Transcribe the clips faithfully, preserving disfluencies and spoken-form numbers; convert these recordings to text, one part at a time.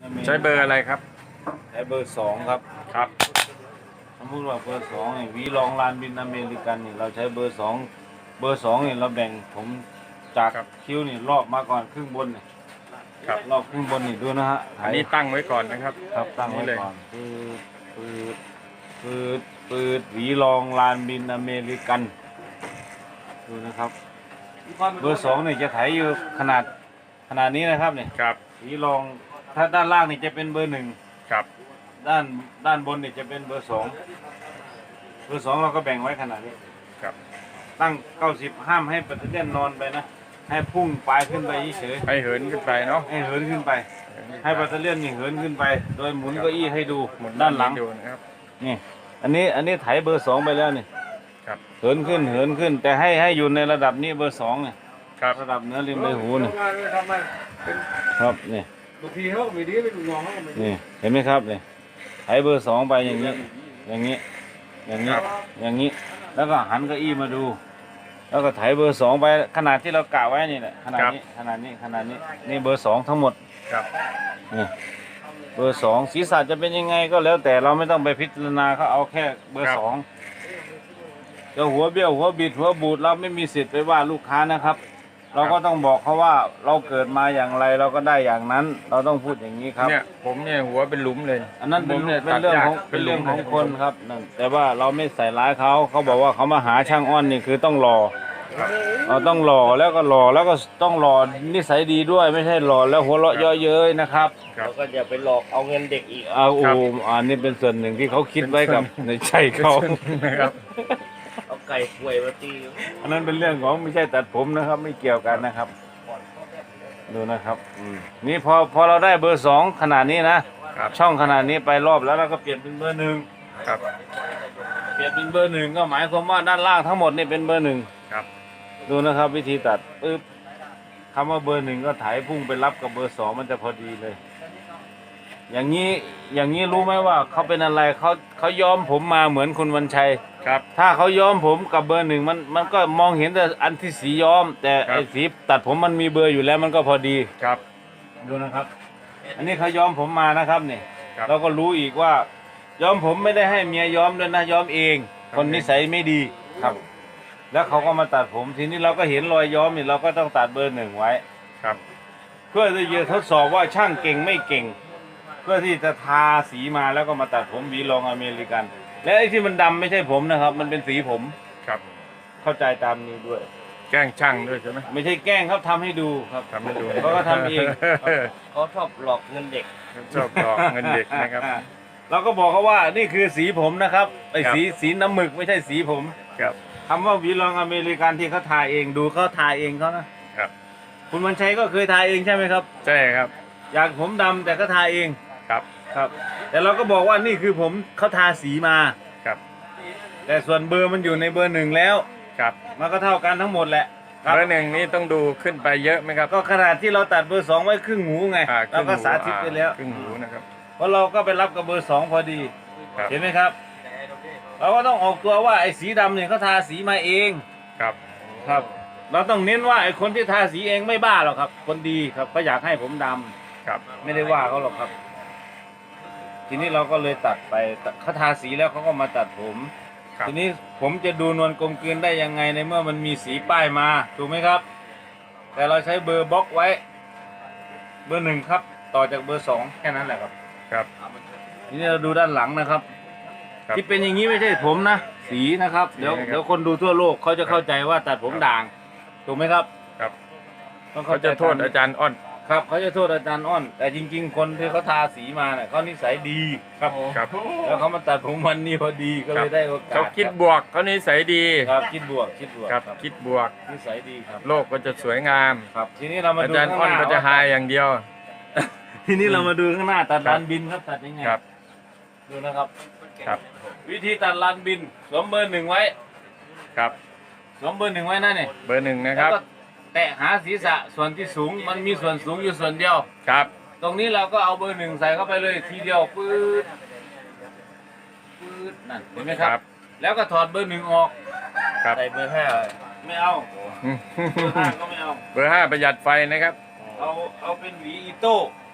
ใช้เบอร์อะไรครับใช้เบอร์สองครับครับสมมติว่าเบอร์สองวีลองลานบินอเมริกันนี่เราใช้เบอร์สองเบอร์สองนี่เราแบ่งผมจากคิ้วนี่รอบมาก่อนครึ่งบนนี่ครับรอบครึ่งบนนี่ดูนะฮะอันนี้ตั้งไว้ก่อนนะครับครับตั้งไว้ก่อนปืดปืดปืดปืดวีลองลานบินอเมริกันดูนะครับเบอร์สองนี่จะไถอยู่ขนาดขนาดนี้นะครับเนี่ยครับวีลองถ้าด้านล่างนี่จะเป็นเบอร์หนึ่งครับด้านด้านบนนี่จะเป็นเบอร์สองเบอร์สองเราก็แบ่งไว้ขนาดนี้ครับตั้งเก้าสิบห้ามให้ปัตเตอร์เลียนนอนไปนะให้พุ่งปลายขึ้นไปเฉยให้เหินขึ้นไปเนาะให้เหินขึ้นไปให้ปัตเตอร์เลียนนี่เหินขึ้นไปโดยหมุนเก้าอี้ให้ดูหมุนด้านหลังดูนะครับนี่อันนี้อันนี้ไถเบอร์สองไปแล้วนี่ครับเหินขึ้นเหินขึ้นแต่ให้ให้อยู่ในระดับนี้เบอร์สองเนี่ยครับระดับเนื้อริมใบหูนี่ครับนี่บางทีเขาไม่ดีไม่ดูมองเขาไม่ดีนี่เห็นไหมครับนี่ไถเบอร์สองไปอย่างนี้อย่างนี้อย่างนี้อย่างนี้แล้วก็หันเก้าอี้มาดูแล้วก็ไถเบอร์สองไปขนาดที่เรากะไว้นี่แหละขนาดนี้ขนาดนี้ขนาดนี้นี่เบอร์สองทั้งหมดครับนี่เบอร์สองศีรษะจะเป็นยังไงก็แล้วแต่เราไม่ต้องไปพิจารณาเขาเอาแค่เบอร์สองจะหัวเบี้ยวหัวบิดหัวบูดเราไม่มีสิทธิ์ไปว่าลูกค้านะครับเราก็ต้องบอกเขาว่าเราเกิดมาอย่างไรเราก็ได้อย่างนั้นเราต้องพูดอย่างนี้ครับเนี่ยผมเนี่ยหัวเป็นหลุมเลยอันนั้นเป็นเป็นเรื่องของเป็นเรื่องของคนครับนั่นแต่ว่าเราไม่ใส่ร้ายเขาเขาบอกว่าเขามาหาช่างอ้อนนี่คือต้องรอเราต้องหล่อแล้วก็หล่อแล้วก็ต้องหล่อนิสัยดีด้วยไม่ใช่หล่อแล้วหัวเราะเยอะเย้ยนะครับแล้วก็อย่าไปหลอกเอาเงินเด็กอีกเอาโอ้อันนี้เป็นส่วนหนึ่งที่เขาคิดไว้กับในใจเขานะครับเอาไก่ป่วยมาตีอันนั้นเป็นเรื่องของไม่ใช่ตัดผมนะครับไม่เกี่ยวกันนะครับดูนะครับนี่พอพอเราได้เบอร์สองขนาดนี้นะช่องขนาดนี้ไปรอบแล้วเราก็เปลี่ยนเป็นเบอร์หนึ่งครับเปลี่ยนเป็นเบอร์หนึ่งก็หมายความว่าด้านล่างทั้งหมดนี่เป็นเบอร์หนึ่งครับดูนะครับวิธีตัดปึ๊บคำว่าเบอร์หนึ่งก็ถ่ายพุ่งไปรับกับเบอร์สองมันจะพอดีเลยอย่างนี้อย่างนี้รู้ไหมว่าเขาเป็นอะไรเขาเขาย้อมผมมาเหมือนคุณวันชัยครับถ้าเขาย้อมผมกับเบอร์หนึ่งมันมันก็มองเห็นแต่อันที่สีย้อมแต่ไอ้สีตัดผมมันมีเบอร์อยู่แล้วมันก็พอดีครับดูนะครับอันนี้เขาย้อมผมมานะครับนี่เราก็รู้อีกว่าย้อมผมไม่ได้ให้เมียย้อมด้วยนะย้อมเองคนนิสัยไม่ดีครับแล้วเขาก็มาตัดผมทีนี้เราก็เห็นรอยย้อมนี่เราก็ต้องตัดเบอร์หนึ่งไว้ครับเพื่อที่จะทดสอบว่าช่างเก่งไม่เก่งเพื่อที่จะทาสีมาแล้วก็มาตัดผมวีลองอเมริกันและไอ้ที่มันดำไม่ใช่ผมนะครับมันเป็นสีผมครับเข้าใจตามนี้ด้วยแกล้งช่างด้วยใช่ไหมไม่ใช่แกล้งครับทำให้ดูครับทำให้ดูเขาก็ทำเองเขาชอบหลอกเงินเด็กชอบหลอกเงินเด็กนะครับเราก็บอกเขาว่านี่คือสีผมนะครับไอ้สีสีน้ำหมึกไม่ใช่สีผมครับคำว่าวีลองอเมริกันที่เขาทาเองดูเขาทาเองเขานะครับคุณวันชัยก็เคยทาเองใช่ไหมครับใช่ครับอยากผมดำแต่ก็ทาเองครับครับแต่เราก็บอกว่านี่คือผมเขาทาสีมาครับแต่ส่วนเบอร์มันอยู่ในเบอร์หนึ่งแล้วครับมันก็เท่ากันทั้งหมดแหละเบอร์หนึ่งนี่ต้องดูขึ้นไปเยอะไหมครับก็ขนาดที่เราตัดเบอร์สองไว้ครึ่งหูไงเราก็สาธิตไปแล้วครึ่งหูนะครับเพราะเราก็ไปรับกับเบอร์สองพอดีเห็นไหมครับเราก็ต้องออกตัวว่าไอ้สีดำเนี่ยเขาทาสีมาเองครับครับเราต้องเน้นว่าไอ้คนที่ทาสีเองไม่บ้าหรอกครับคนดีครับเขาอยากให้ผมดำครับไม่ได้ว่าเขาหรอกครับทีนี้เราก็เลยตัดไปเขาทาสีแล้วเขาก็มาตัดผมทีนี้ผมจะดูนวลกลมกลืนได้ยังไงในเมื่อมันมีสีป้ายมาถูกไหมครับแต่เราใช้เบอร์บล็อกไว้เบอร์หนึ่งครับต่อจากเบอร์สองแค่นั้นแหละครับครับทีนี้เราดูด้านหลังนะครับที่เป็นอย่างนี้ไม่ใช่ผมนะสีนะครับเดี๋ยวเดี๋ยวคนดูทั่วโลกเขาจะเข้าใจว่าตัดผมด่างถูกไหมครับครับเขาจะโทษอาจารย์อ้อนครับเขาจะโทษอาจารย์อ้อนแต่จริงๆคนที่เขาทาสีมาเนี่ยเขานิสัยดีครับครับแล้วเขามาตัดผมวันนี้พอดีก็เลยได้โอกาสเขาคิดบวกเขานิสัยดีครับคิดบวกคิดบวกครับคิดบวกนิสัยดีครับโลกก็จะสวยงามครับทีนี้เรามาดูอาจารย์อ้อนก็จะหายอย่างเดียวทีนี้เรามาดูข้างหน้าตัดลานบินครับตัดยังไงครับดูนะครับครับวิธีตัดลานบินสวมเบอร์หนึ่งไว้ครับสวมเบอร์หนึ่งไว้นั่นเนี่ยเบอร์หนึ่งนะครับแตะหาศีรษะส่วนที่สูงมันมีส่วนสูงอยู่ส่วนเดียวครับตรงนี้เราก็เอาเบอร์หนึ่งใส่เข้าไปเลยทีเดียวปื๊ดปื๊ดนั่นเห็นไหมครับแล้วก็ถอดเบอร์หนึ่งออกใส่เบอร์ห้าไม่เอาเบอร์ห้าก็ไม่เอาเบอร์ห้าประหยัดไฟนะครับเอาเอาเป็นหวีอีโต้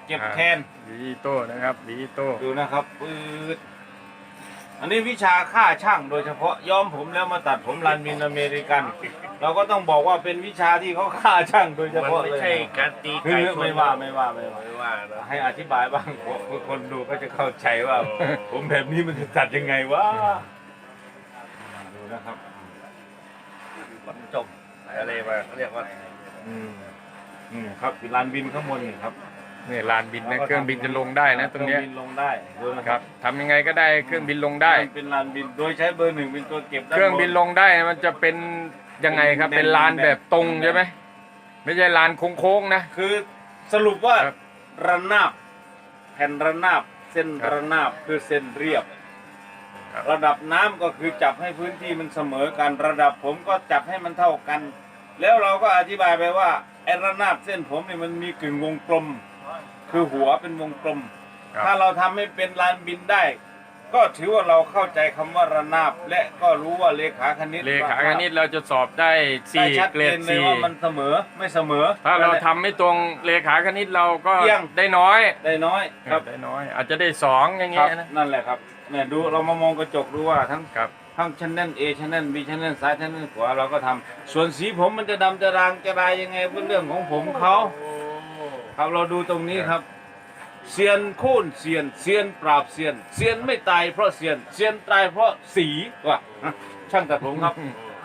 เก็บอ่าแคนหวีโต้นะครับหวีโต้ดูนะครับปืดอันนี้วิชาค่าช่างโดยเฉพาะย้อมผมแล้วมาตัดผมรันมินอเมริกัน เราก็ต้องบอกว่าเป็นวิชาที่เขาค่าช่างโดยเฉมันพาะไม่เลยใช่การตีคืไก่อชนไม่ว่าไม่ว่าไม่ว่าไม่ว่านะให้อธิบายบ้างคนดูก็จะเข้าใจว่า ผมแบบนี้มันจะตัดยังไงวะดูนะครับมันจบอะไรมาเขาเรียกว่าอืมอืมครับลานบินข้างบนนี่ครับนี่ลานบินนะเครื่องบินจะลงได้นะตรงเนี้ยเครื่องบินลงได้ดูนะคครัรับบ ทำยังไงก็ได้เครื่องบินลงได้เป็นลานบินโดยใช้เบอร์หนึ่งเป็นตัวเก็บด้าเครื่องบินลงได้มันจะเป็นยังไงครับ เป็นลานแบบตรงใช่ไหมไม่ใช่ลานโค้งๆนะคือสรุปว่าครับระนาบแผ่นระนาบเส้นครับระนาบคือเส้นเรียบครับระดับน้ำก็คือจับให้พื้นที่มันเสมอกันระดับผมก็จับให้มันเท่ากัน แล้วเราก็อธิบายไปว่าไอ้ระนาบเส้นผมเนี่ยมันมีกึ่งวงกลม คือหัวเป็นวงกลมครับถ้าเราทำให้เป็นลานบินได้ ก็ถือว่าเราเข้าใจคำว่าระนาบ และก็รู้ว่าเลขาคณิตเลขาคณิตเราจะสอบได้ได้สี่ชัดเกรเจดนเลยสี่ว่ามันเสมอไม่เสมอถ้าเราทำไม่ตรงเลขาคณิตเราก็เอียงได้น้อยได้น้อยครับได้น้อย อาจจะได้สองอย่างครัเงี้บยนะนั่นแหละครับเนี่ยดูเรามามองกระจกดูว่าทั้งครับทั้งชั้นนั่น A ชั้นนั่น B ชั้นนั่นซ้ายชั้นนั่นขวาเราก็ทำส่วนสีผมมันจะดำจะรางจะรายยังไงเป็นเรื่องของผมเขาครับเราดูตรงนี้ครับเซียนโค่นเซียนเซียนปราบเซียนเซียนไม่ตายเพราะเซียนเซียนตายเพราะสีว่ะช่างตัดผมครับ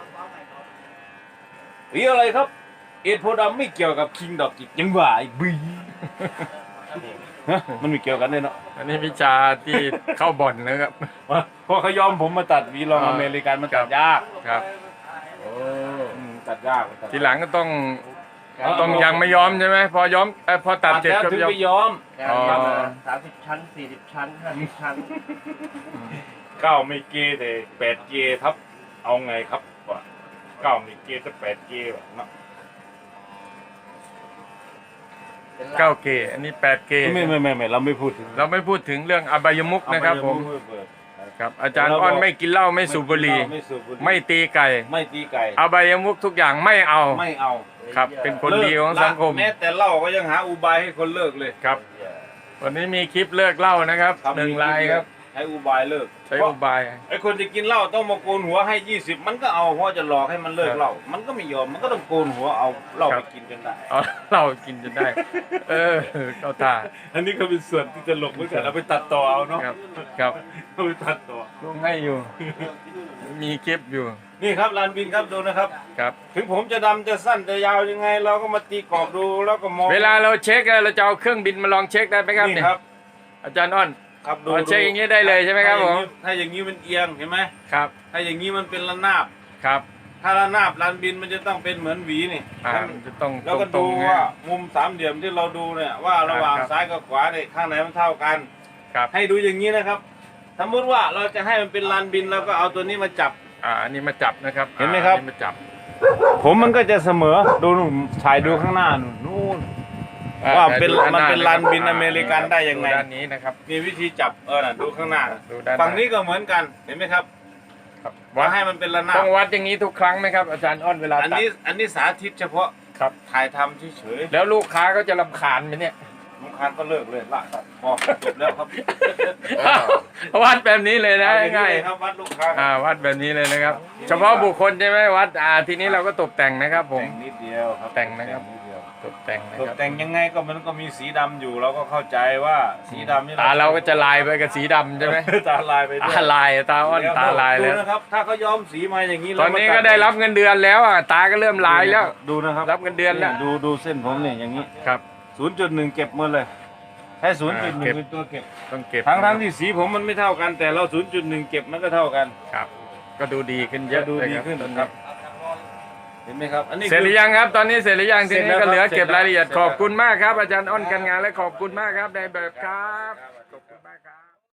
สีอะไรครับ เอ็ดโพธิ์ดำไม่เกี่ยวกับคิงดอกจิกยังหวายบีฮะมันไม่เกี่ยวกันเลยเนาะอันนี้วิชาที่เข้าบ่อนนะครับเพราะเขายอมผมมาตัดวีลองอเมริกันมันตัดยากครับอืมตัดยากตัดทีหลังก็ต้องต้องยังไม่ยอมใช่ไหมพอยอมเอ้ยพอตัดเสร็จแล้วก็ถึงยอมไปยอมอ๋อสามสิบชั้นสี่สิบชั้นห้าสิบชั้นเก้าไม่เกย์แต่แปดเกย์ครับ เอาไงครับวะเก้าไม่เกย์แต่แปดเกย์วะเนาะเก้าเกอันนี้แปดเกไม่ไม่ไม่ไม่เราไม่พูดถึงเราไม่พูดถึงเรื่องอบายมุกนะครับผมเอาไปเปิดครับ อาจารย์อ้อนไม่กินเหล้าไม่สูบบุหรี่ไม่สูบบุหรี่ไม่ตีไก่ไม่ตีไก่อบายมุกทุกอย่างไม่เอาไม่เอาครับ เป็นคนดีของสังคมแม้แต่เหล้าก็ยังหาอุบายให้คนเลิกเลยครับ วันนี้มีคลิปเลิกเหล้านะครับหนึ่งลายครับใช้อุบายเลิกใช้อุบายไอ้คนจะกินเหล้าต้องมาโกนหัวให้ยี่สิบมันก็เอาเพราะจะหลอกให้มันเลิกเหล้ามันก็ไม่ยอมมันก็ต้องโกนหัวเอาเหล้าครัไปบกินจนได้เอาเหล้ากินจนได้ เออเข้าตาอันนี้ก็เป็นส่วนที่จะหลกเหมือนกันเอาไปตัดต่อเอาเนาะครับครับเอาไปตัดต่อลงให้อยู่ มีคลิปอยู่นี่ครับลานบินครับดูนะครับครับถึงผมจะดำจะสั้นจะยาวยังไง เราก็มาตีกรอบดูแล้วก็มองเวลาเราเช็คเราจะเอาเครื่องบินมาลองเช็คได้ไหมครับนี่เนี่ยครับอาจารย์อ้อนครับดูอ๋อเช็คอย่างนี้ได้เลยใช่ไหมครับผมถ้าอย่างนี้มันเอียงเห็นไหมครับถ้าอย่างนี้มันเป็นระนาบครับถ้าระนาบลานบินมันจะต้องเป็นเหมือนหวีนี่อ่าให้มัมัน นจะต้องแล้วก็ตรดูงๆว่านะมุมสามเหลี่ยมที่เราดูเนี่ยว่าระหว่างครับซ้ายกับขวาเนี่ยข้างไหนมันเท่ากันครับให้ดูอย่างนี้นะครับ สมมติว่าเราจะให้มันเป็นลานบินเราก็เอาตัวนี้มาจับอ่าอันนี้มาจับนะครับเห็นไหมครับอันนี้มาจับผมมันก็จะเสมอดูนู่นถ่ายดูข้างหน้านู่นนู่นอ่ว่าเป็นดูด้มันเป็นหะครับลานบินอเมริกันได้ยังไงด้านนี้นะครับมีวิธีจับเออน่ะดูข้างหน้าน่ะดูด้านหน้าฝั่งนี้ก็เหมือนกันเห็นไหมครับครับว่าวัดให้มันเป็นระนาต้บองวัดอย่างนี้ทุกครั้งไหมครับ อาจารย์อ้อนเวลาอันตัดนี้อันนี้สาธิตเฉพาะครับถ่ายทำเฉยแล้วลูกค้าก็จะรำคาญไหมเนี่ยๆลูกค้าก็เลิกเลยละครับพอจบแล้วครับวัดแบบนี้เลยนะเอาอง่ายเลยครับวัดลูกค้าๆอ่าวัดแบบนี้เลยนะครับ เฉพาะบุคคลใช่ไหมวัดอ่าทีนี้เราก็ตกแต่งนะครับ ผมแต่งนิดเดียวครับแต่งนะครับดเดียวตกแต่งนะตกครับแต่งยังไงก็มันก็มีสีดำอยู่เราก็เข้าใจว่าสีดำนี่ตาเราก็จะลายไปกับสีดำใช่ไหมตาลายไปด้วยตาลายตาอ้อนตาลายดูแล้วนะครับ ถ้าเขาย้อมสีมาอย่างนี้ตอนนี้ก็ได้รับเงินเดือนแล้วอ่ะตาก็เริ่มลายแล้วดูนะครับรับเงินเดือนแล้วดูดูเส้นผมเนี่ยอย่างนี้ครับศูนย์จุดหนึ่งเก็บหมดเลยแค่ศูนย์จุดหนึ่เก็งบเป็นตัวเก็บต้องเก็บทั้งทั้งที่สีผมมันไม่เท่ากัน แต่เราศูนย์จุดหนึ่งเก็บมันก็เท่ากันครับ ก็ดูดีขึ้นเยจะอะดูเลยดีครับขึ้นตอนคนี้รับ เห็นไหมครับ อันนี้เสร็จหรือยังครับ ตอนนี้เสร็จหรือยังเสร็ทีจนี้แล้วก็เหลือครับเก็บรายละเอียดเสร็จแล้วขอบคุณมากครับ อาจารย์อ้อนกันงานและขอบคุณมากครับในแบบครับ